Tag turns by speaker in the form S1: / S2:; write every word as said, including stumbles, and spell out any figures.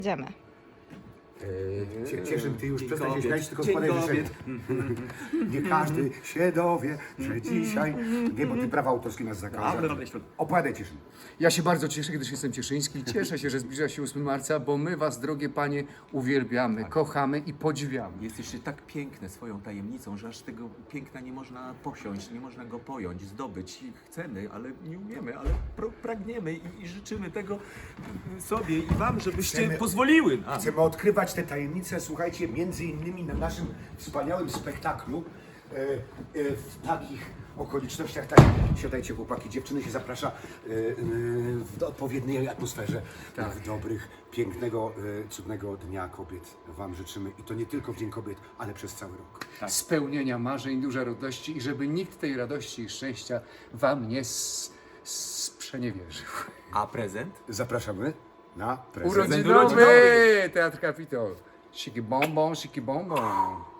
S1: Idziemy.
S2: Cie- Cieszyn, ty już
S3: Dzień
S2: przestań się
S3: kobiet.
S2: śmiać, tylko
S3: Dzień
S2: składaj życzenia.
S3: kobiet.
S2: Nie każdy się dowie, że dzisiaj... Nie, bo ty prawa autorskie nas
S3: Dobra,
S2: zakażą.
S3: dobra, świąt.
S2: Opowiadaj, Cieszyn.
S4: Ja się bardzo cieszę, gdyż jestem cieszyński. Cieszę się, że zbliża się ósmy marca, bo my was, drogie panie, uwielbiamy, kochamy i podziwiamy.
S3: Jesteście tak piękne swoją tajemnicą, że aż tego piękna nie można posiąść, nie można go pojąć, zdobyć. I chcemy, ale nie umiemy, ale pro- pragniemy i, i życzymy tego sobie i wam, żebyście
S2: Chcemy-
S3: pozwoliły nam.
S2: Chcemy odkrywać te tajemnice, słuchajcie, między innymi na naszym wspaniałym spektaklu e, e, w takich okolicznościach, tak, siadajcie chłopaki, dziewczyny się zaprasza e, e, w odpowiedniej atmosferze,
S4: Tak.
S2: w dobrych, pięknego, e, cudnego Dnia Kobiet wam życzymy i to nie tylko w Dzień Kobiet, ale przez cały rok.
S4: Spełnienia marzeń, duża radości i żeby nikt tej radości i szczęścia wam nie s- sprzeniewierzył.
S3: A prezent?
S2: Zapraszamy na prezent.
S4: Urodzinowy Teatr Kapitol. Siki bonbon, siki bonbon.